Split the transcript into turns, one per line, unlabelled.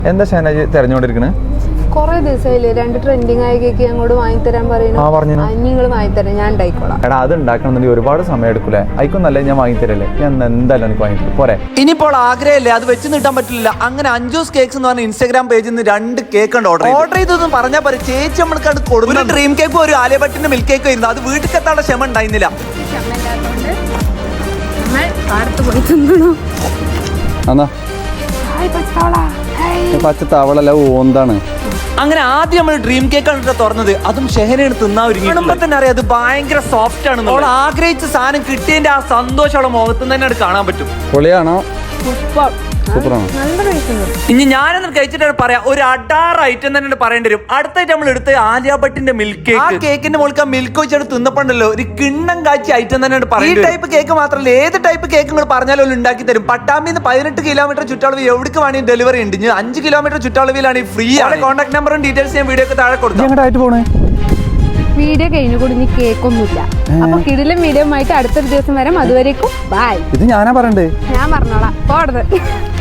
എന്താ ഷാനജ് തെരഞ്ഞുകൊണ്ടിരിക്കണേ?
കൊറേ ദിവസമായില്ലേ 2 ട്രെൻഡിങ് ആയ കേക്ക് ഞങ്ങളോട് വാങ്ങിത്തരാൻ പറയുന്നു. നിങ്ങൾ വാങ്ങിത്തരാം, ഞാൻ ഉണ്ടായിക്കോളാം.
എടാ അത് ഉണ്ടാക്കണമെന്നുണ്ടെങ്കിൽ ഒരുപാട് സമയം എടുക്കൂലേ? അയക്കൊന്നല്ലേ ഞാൻ വാങ്ങിത്തരല്ലേ? ഞാൻ എന്തായാലും എനിക്ക് വാങ്ങിത്തരും പോരെ.
ഇനിയിപ്പോൾ ആഗ്രഹമില്ലേ, അത് വെച്ച് നീട്ടാൻ പറ്റില്ല. അങ്ങനെ അഞ്ജൂസ് കേക്ക്സ് എന്ന് പറഞ്ഞ ഇൻസ്റ്റാഗ്രാം പേജിൽ നിന്ന് 2 കേക്ക് ഓർഡർ ചെയ്തൊന്നും പറഞ്ഞാൽ പറയും ചേച്ചി നമ്മൾക്ക് കൊടുക്കും. ഒരു ഡ്രീം കേക്കും ഒരു ആലിയ ഭട്ടിന്റെ മിൽക്ക് കേക്കും ആയിരുന്നു. അത് വീട്ടിൽ എത്താനുള്ള ക്ഷമ ഉണ്ടായിരുന്നില്ല.
പച്ച തവളല്ല ഓന്താണ്.
അങ്ങനെ ആദ്യം നമ്മൾ ഡ്രീം കേക്ക് ആണ് തുറന്നത്. അതും ഷെഹനയാണ് തിന്നാൻ ഒരുങ്ങി തന്നെ അറിയാം അത് ഭയങ്കര സോഫ്റ്റ് ആണ്. നമ്മൾ ആഗ്രഹിച്ച സാധനം കിട്ടിയതിന്റെ ആ സന്തോഷം അവളെ മുഖത്ത് തന്നെ കാണാൻ പറ്റും.
പൊളിയാണോ? സൂപ്പറാണോ?
ഇനി ഞാനൊന്നും കഴിച്ചിട്ടാണ് പറയാം, ഒരു 16 ഐറ്റം തന്നെ പറയേണ്ടി വരും. അടുത്തായിട്ട് നമ്മൾ എടുത്ത് ആലിയ ഭട്ടിന്റെ മിൽക്ക് കേക്ക്. ആ കേക്കിന്റെ മുകളിൽ മിൽക്ക് വെച്ചിട്ട് തിന്നപ്പോണ്ടല്ലോ ഒരു കിണ്ണം കാച്ചി ഐറ്റം തന്നെ പറയുന്നത്. ഈ ടൈപ്പ് കേക്ക് മാത്രമല്ല, ഏത് ടൈപ്പ് കേക്ക് നിങ്ങൾ പറഞ്ഞാലും ഉണ്ടാക്കി തരും. പട്ടാമ്പിന്ന് 18 കിലോമീറ്റർ ചുറ്റളവ് എവിടേക്ക് വേണമെങ്കിൽ ഡെലിവറി ഉണ്ട്. 5 കിലോമീറ്റർ ചുറ്റളവിലാണ് ഫ്രീ ആണ്. കോൺടാക്ട് നമ്പറും ഡീറ്റെയിൽസ് ഞാൻ വീഡിയോക്ക് താഴെ കൊടുക്കും.
വീഡിയോ കഴിഞ്ഞു കൂടി ഇനി കേക്കൊന്നുമില്ല. അപ്പൊ കിടിലം വീഡിയോ ആയിട്ട് അടുത്തൊരു ദിവസം വരാം. അതുവരേക്കും ബൈ.
ഇത് ഞാനാ പറയണ്ടേ?
ഞാൻ പറഞ്ഞോളാം. പോടത്.